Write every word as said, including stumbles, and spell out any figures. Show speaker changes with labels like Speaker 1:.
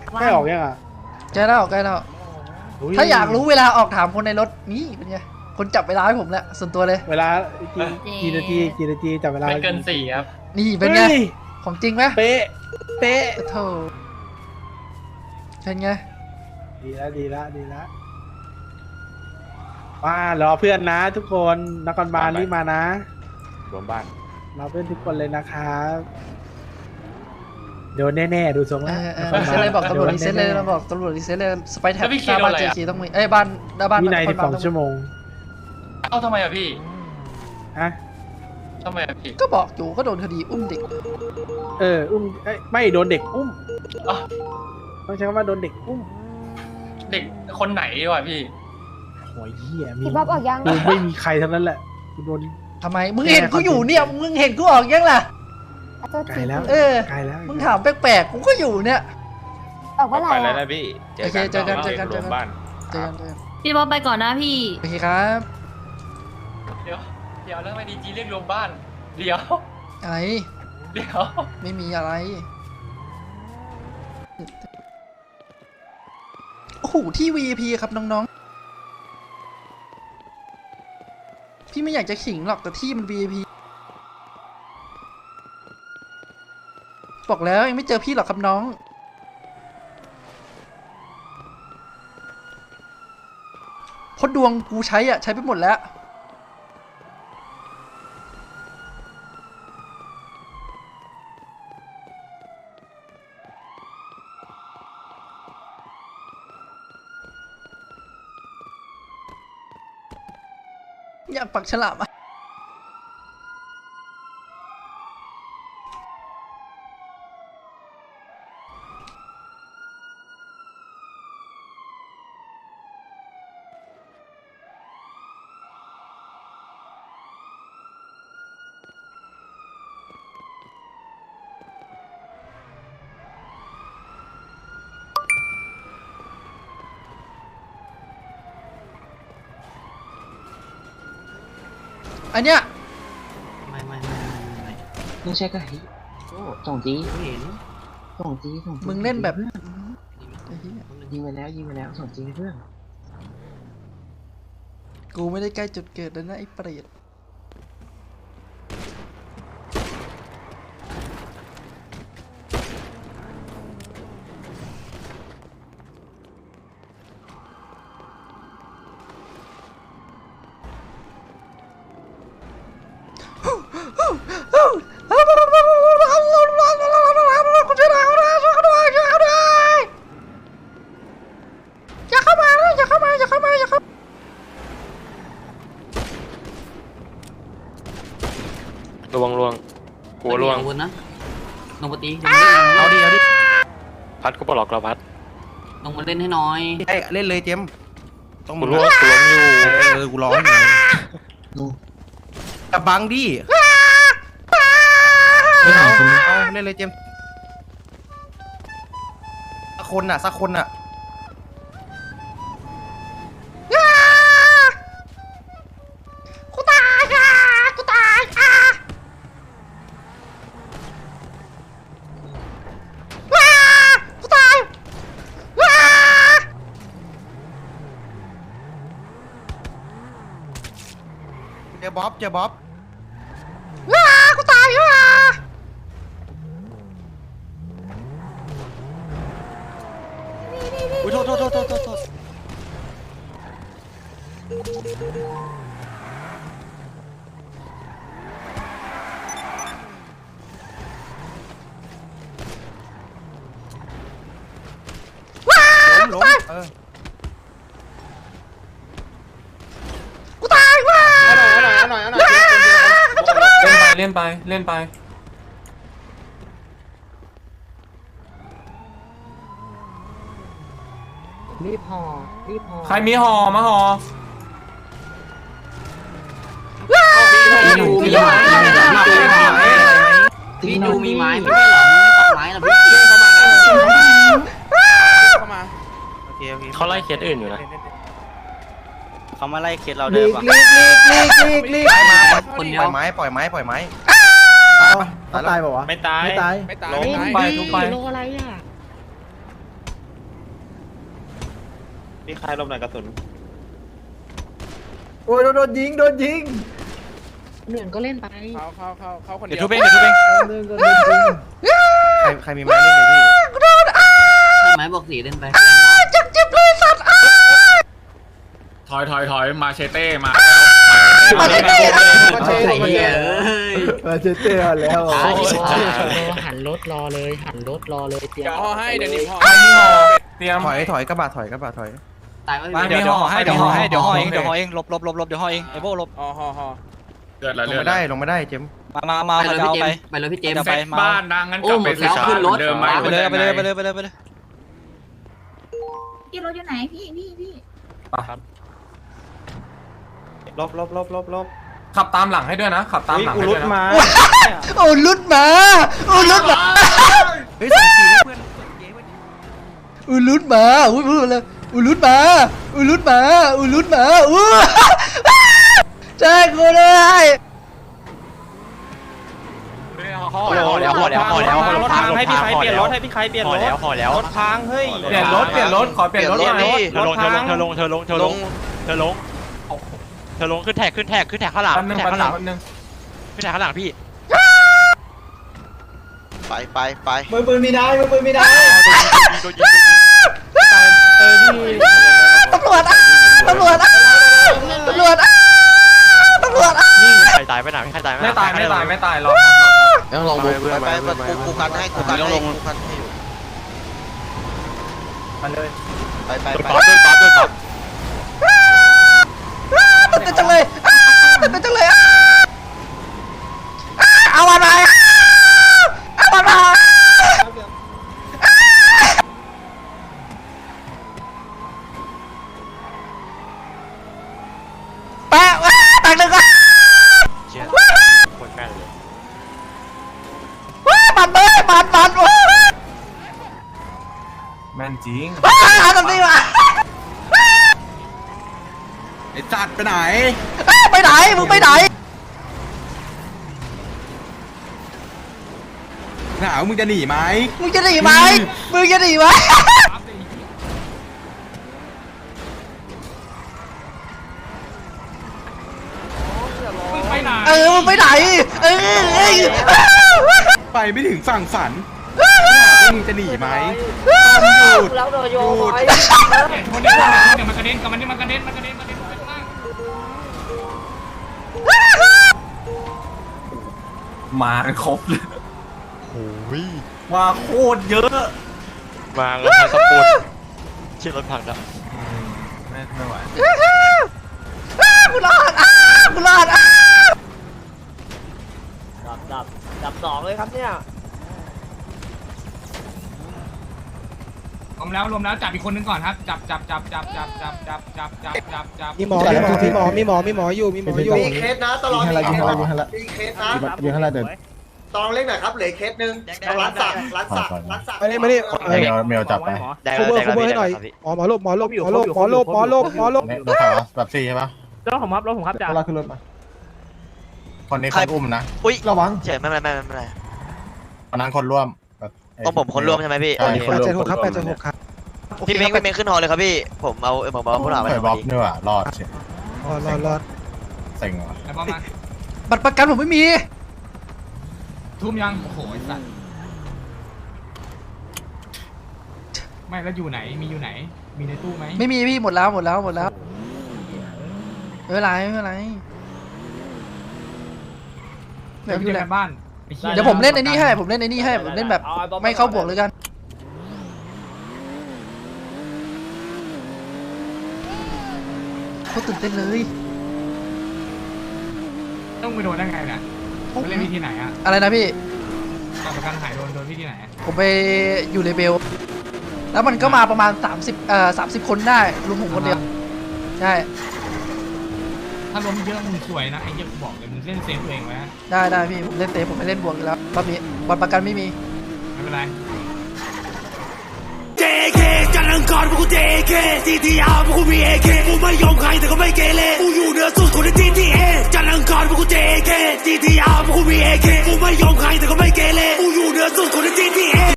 Speaker 1: ใกล้ออกยังอ่ะ
Speaker 2: ใกล้แล้วใกล้แล้วถ้าอยากรู้เวลาออกถามคนในรถนี่เป็นไงคนจับเวลาให้ผมแล้วส่วนตัวเลย
Speaker 1: เวลากี่นาทีกี่นาทีจับเวลา
Speaker 3: ไม่เกินสี่ครับ
Speaker 2: นี่เป็นไงของจริงไหม
Speaker 1: เป๊ะเป๊ะ
Speaker 2: โธ่เป็นไง
Speaker 1: ดีแล้วดีแล้วดีแล้วมารอเพื่อนนะทุกคนนครบาลรีบมานะ
Speaker 4: รวมบ้าน
Speaker 1: รอเพื่อนทุกคนเลยนะครับโดนแน่ๆดูทรงแล้ว
Speaker 2: เซตเลยบอกตำรวจรีเซ็ตเลยเราบอกตำรวจรีเซ็ตเลยสไปแท็บหน้าบ้านเจคีต้องมีเอ้ยบ้านหน้าบ้าน
Speaker 1: วินัยสิบสองชั่วโมง
Speaker 3: เอ้าทำไมอ่ะพี่
Speaker 1: ฮะ
Speaker 3: ทำไมอ่ะพี่
Speaker 2: ก็บอกอยู่ก็โดนคดีอุ้มเด็ก
Speaker 1: เอออุ้มไม่โดนเด็กอุ้มต้องใช้คำว่าโดนเด็กอุ้ม
Speaker 3: เด็กคนไหนวะพี่
Speaker 1: โอ้ยเหี้ย
Speaker 5: พี่บ๊อบออกยัง
Speaker 1: ไม่มีใครทั้งนั้นแหละกูโดน
Speaker 2: ทำไมมึงเห็นกูอยู่เนี่ยมึงเห็นกูออกยังล่ะ
Speaker 1: ไกลแล้ว
Speaker 2: เออ
Speaker 1: ไกลแล้ว
Speaker 2: มึงถามแปลกๆกูก็อยู่เนี่ย
Speaker 5: ออกเมื่อไหร่
Speaker 4: ไปแล้วนะพี่
Speaker 2: โอเคเจอกันเจอกันเจอกัน
Speaker 4: บ้าน
Speaker 2: เจอกันเจอกัน
Speaker 6: พี่บ๊อบไปก่อนนะพี่
Speaker 2: โอเคครับ
Speaker 3: เดี๋ยวเดี๋ยวแล้วไม่ดีจีเรียกรวมบ้านเดี๋ยว
Speaker 2: อะไร
Speaker 3: เดี๋ยว
Speaker 2: ไม่มีอะไรโอ้โหที่ วี ไอ พี ครับน้องๆพี่ไม่อยากจะขิงหรอกแต่ที่มัน วี ไอ พี บอกแล้วยังไม่เจอพี่หรอกครับน้องเพราะดวงกูใช้อ่ะใช้ไปหมดแล้วอยากปักฉลามอ่ะอันเนี้ย
Speaker 7: ไม่ไม่ไม่ไม่ไม่ไม่ใช่ก็เฮ้ยโอ้ส่งจีเห็นส่งจีส่งจี
Speaker 2: มึงเล่นแบบ
Speaker 7: ยิงไปแล้วยิงไปแล้วส่งจีเพื่อน
Speaker 2: กูไม่ได้ใกล้จุดเกิดแล้วนะไอ้เปรต
Speaker 4: ลวงลวงหัวลวง
Speaker 7: นะลงปตี
Speaker 4: เอาดิเอาดิพัดก็ปลอกเราพัด
Speaker 7: ลงมาเล่นให้น้อย
Speaker 8: เล่นเลยเจม
Speaker 4: ต้องมาลวงกูล้มอยู่
Speaker 8: เออกูร้อนอยู่แต่บังดิเอาเล่นเลยเจมสักคนอ่ะสักคนอ่ะ
Speaker 2: กูตายอ่ะกูตายอ่ะว้ากูตายว้า
Speaker 8: เจอบ๊อบเจอบ๊อบ
Speaker 2: ว้ากูตายว้า
Speaker 8: อุ้ยโทษโทษโทษโทษโทษล้มล้มเออ
Speaker 2: กูตายว้า
Speaker 8: เอาหน่อยเอาหน่อยเอาหน่อย
Speaker 3: เล่นไปเล่นไปเล่นไป
Speaker 7: รีบห่อรีบห่อ
Speaker 3: ใครมีห่อมาห่อ
Speaker 7: ตีดูมีไม้ตีดูมีไม้ไม่ได้หรอไม่ตัดไม้หรอพี่
Speaker 8: เข้ามาโอเคโอเค
Speaker 4: เขาไล่เคสอื่นอยู่นะ
Speaker 8: เขามาไล่เคสเราเดิมป่ะ
Speaker 2: ลีกลีกลีกลีกลีกลีก
Speaker 8: ปล่อยไม้ปล่อยไม้ปล่อยไม้
Speaker 1: เขาตายเปล่าวะ
Speaker 4: ไม่ตาย
Speaker 1: ไม่ตาย
Speaker 8: ไม่ตาย
Speaker 3: ล้มไปทุบไป
Speaker 6: โลอะไรอ่ะมีใครลมหน่อยกระสุน
Speaker 1: โอ้ยโดนยิงโดนยิง
Speaker 7: เหนื่อยก็เล่นไป
Speaker 1: เขาเขาเขาเขาคนเดี
Speaker 3: เดี๋
Speaker 1: ย
Speaker 3: ยว วทุบเองเดี๋ยวทุบเอง
Speaker 1: เดินก็โดนยิง
Speaker 8: ใครใครมีไม้เล่นเลยพี่
Speaker 7: ถ้าไม้บอกสีเล่นไป
Speaker 2: จับเจ็บเลยสัตว์
Speaker 3: ถอยถอยถอยมาเชเต้มา
Speaker 2: มาเชเต้
Speaker 1: มาเชเต้มาเชเต้มาเชเต้แล้ว
Speaker 7: หันรถรอเลยหันรถรอเลยเตรียม
Speaker 1: เดี๋ยวห่อให้เดี๋ยวนี้ห่อ
Speaker 3: เตรียม
Speaker 8: ถอยถอยกระบะถอยกระบะถอย
Speaker 7: ตายไม่
Speaker 3: เดี๋ยวเดี๋ยวห่อให้เดี๋ยวห่อให้เดี๋ยวห่อเองเดี๋ยวห่อเองหลบหลบหลบหลบเดี๋ยวห่อเองไอ้โบ้หลบ
Speaker 1: ห่อห่อห่อ
Speaker 3: เดือด
Speaker 8: ลงไม่ได้ลงไม่ได้เจม
Speaker 3: มามามา
Speaker 7: ไปเลย
Speaker 3: เอา
Speaker 7: พี่เจ
Speaker 3: ไป
Speaker 7: มไปเลยพี่เจม
Speaker 3: ไปบ้านดังงั้นกลับไปศึกษาเดิมไหม
Speaker 2: ไปเลยไปเลยไปเลยไปเลยไปเลย
Speaker 5: พี่รถอยู่ไหนพี่พี่พี่
Speaker 6: ลบลบลบลบลบ
Speaker 3: ขับตามหลังให้ด้วยนะขับตามหลัง
Speaker 6: กู
Speaker 3: ให้
Speaker 6: รุ
Speaker 3: ด้ว
Speaker 6: ด
Speaker 3: ยนะ
Speaker 6: มา
Speaker 2: โอ้ลุดมาโอ้ลุดมา
Speaker 8: เฮ้ยส่งจีให้เพื่อน
Speaker 2: อูลุดมาอุ้ยพูดเลยอูลุดมาอูลุดมาอูลุดมาอู้แจ้งกูเลย
Speaker 3: ห่อแล้วห่อแล้วห่อแล้วห่อแล้วรถพังให้พี่ใครเปลี่ยนรถให้พี่ใครเปลี่ยนรถห่อแล้วรถพังเฮ้ยเปลี่ยนรถเปลี่ยนรถขอเปลี่ยนรถหน่อย
Speaker 4: เธอลงเธอลงเธอลงเธอลงเธอลงเธอลงเธอลงขึ้นแท็กขึ้นแท็กขึ้นแท็กข้างหลังขึ้นแท็กข้างหลังขึ้นแท็กข้างหลังพี่
Speaker 9: ไปไปไป
Speaker 1: มือปืนมีได้มือปืนมีได้
Speaker 4: โดนยิงโดนยิง
Speaker 1: เออพี่
Speaker 2: ตำรวจตำรวจตำรวจตำรวจ
Speaker 4: นี่ใครตายไปไหนใครตาย
Speaker 3: ไม่ตายไม่ตายไม่ตายรอ
Speaker 8: ต้องลองดู
Speaker 9: ไปไปไปกูกูกันให้กูกันให้กูกันให้อยู่
Speaker 1: มาเลย
Speaker 9: ไปไป
Speaker 4: โดน
Speaker 9: ไป
Speaker 4: ปั๊บโดนปั๊บโดนปั๊บ
Speaker 2: ตื่นเต้นจังเลยตื่นเต้นจังเลยเอามาหน่อยเอามาหน่อยแปะตักหนึ่งอ่ะ
Speaker 4: เชี่ยคนแม่นเลย
Speaker 2: ปัดเลยปัดปัด
Speaker 3: แม่นจริง
Speaker 2: หาตรงนี้ว่ะ
Speaker 8: ไอ้จัดไปไหน
Speaker 2: ไปไหนมึงไปไหน
Speaker 8: หนาวมึงจะหนีไหม
Speaker 2: มึงจะหนีไหมมึงจะหนีไหม
Speaker 3: ไปไหน
Speaker 2: เออมึงไปไหนเออ
Speaker 8: ไปไม่ถึงฝั่งฝันหนาวมึงจะหนีไหมต้องหยุด
Speaker 5: แล้วโดนโย
Speaker 8: หยุด
Speaker 3: คนนี้เดี๋ยวมันกระเด็นกับมันนี่มันกระเด็นมันกระเด็นมันกระเด็นไปข้างล่างมาครบเลยมาโคตรเยอะ
Speaker 4: มาแล้วทางสปูนเชี่ยรถพังแล้ว
Speaker 3: ไม่ไม่ไหว
Speaker 2: กูรอดอ้ากูรอดอ้า
Speaker 7: ดับดับดับสองเลยครับเนี่ย
Speaker 3: รวมแล้วรวมแล้วจับอีกคนนึงก่อนครับจับจับจับจับจับจับจับจับจับจับจับ
Speaker 1: มีหมอมีหมอมีหมอมีหมอมีหมออยู่มีหมออยู่
Speaker 6: มีเคสนะตลอดมีเคสนะมีเคสนะ
Speaker 1: ยิงให้ละเดิน
Speaker 6: ตองเล็กหน่อยครับเหลือเคสหนึ่งร้านสักร้านสักร้านสัก
Speaker 1: มาดิมาดิ
Speaker 8: เมลเมลจับไป
Speaker 4: ได้
Speaker 1: คู
Speaker 4: แล้ว
Speaker 1: เบอ
Speaker 4: ได้
Speaker 1: ร์คู
Speaker 4: แล้ว
Speaker 1: เบอร์ให้หน่อย
Speaker 4: พี่
Speaker 1: หมอหมอลบหมอลบหมอลบหมอลบหมอลบหมอลบ
Speaker 8: โดนใครวะแบบสี่ใช่ปะ
Speaker 7: รถผมครับรถผมครับจ่า
Speaker 1: เราขึ้นรถมา
Speaker 8: คนนี้คนอุ้มนะ
Speaker 9: อุ้ย
Speaker 1: ระวัง
Speaker 9: เฉยไม่เป็นไรไม่เป็นไร
Speaker 8: คนนั้นคนร่วม
Speaker 9: ต้องผมคนร่วมใช่ไหมพี่
Speaker 8: ใช่คน
Speaker 1: แปด
Speaker 8: ร่วม
Speaker 1: เจ็ดหกครับแปดเจ็ดหกครับ
Speaker 9: พี่เม้งพี่เม้งขึ้นหอเลยครับพี่ผมเอาผมเอาผู้หลาไป
Speaker 8: เปิดบล็อกนี่ว่ะรอดเฉย
Speaker 1: รอดรอดรอด
Speaker 8: เซ็งว่ะ
Speaker 3: แล้วมา
Speaker 2: บัตรประกันผมไม่มี
Speaker 3: ทุ่มยังโอ้โหไอ้สัตว์ไม่แล้วอยู่ไหนมีอยู่ไหนมีในตู้ไหม
Speaker 2: ไม่มีพี่หมดแล้วหมดแล้วหมดแล้วไม่เป็นไรไม่เป็นไรเดี๋ยว
Speaker 3: อยู่
Speaker 2: พี่แห
Speaker 3: ใน
Speaker 2: ละ
Speaker 3: บ้าน
Speaker 2: เดี๋ยวผมเล่นในนี่ให้ผมเล่นในนี่ให้ผมเล่นแบบไม่เข้าบวกเลยกันเขาตื่นเต้นเลย
Speaker 3: ต้องไปโดนได้ไงนะไปเล่นวิธีไหนอะ
Speaker 2: อะไรนะพี่
Speaker 3: การประกันหายโดนโดนวิธีไหน
Speaker 2: ผมไปอยู่เลเบลแล้วมันก็มาประมาณสามสิบเอ่อสามสิบคนได้รวมผมคนเดียวใช่
Speaker 3: ถ้าล้มเยอะมึงสวยนะไอ้เหี้ยกูบอกเลยมึงเล่นเซฟตัวเองไว้
Speaker 2: ได้ได้พี่ผมเล่นเตะผมไม่เล่นบวกอยู่แล้วรอบนี้บัตรประกันไม่มี
Speaker 3: ไม่เป็นไร
Speaker 10: เจ เค จันทร์อังคารพวกกู เจ เค ที ที อาร์ พวกกู มี เอ เค กูไม่ยอมใครแต่ก็ไม่เกเรกูอยู่เหนือสุดคนใน จี ที เอ จันทร์อังคารพวกกู เจ เค ที ที อาร์ พวกกู มี เอ เค กูไม่ยอมใครแต่ก็ไม่เกเรกูอยู่เหนือสุดคนใน จี ที เอ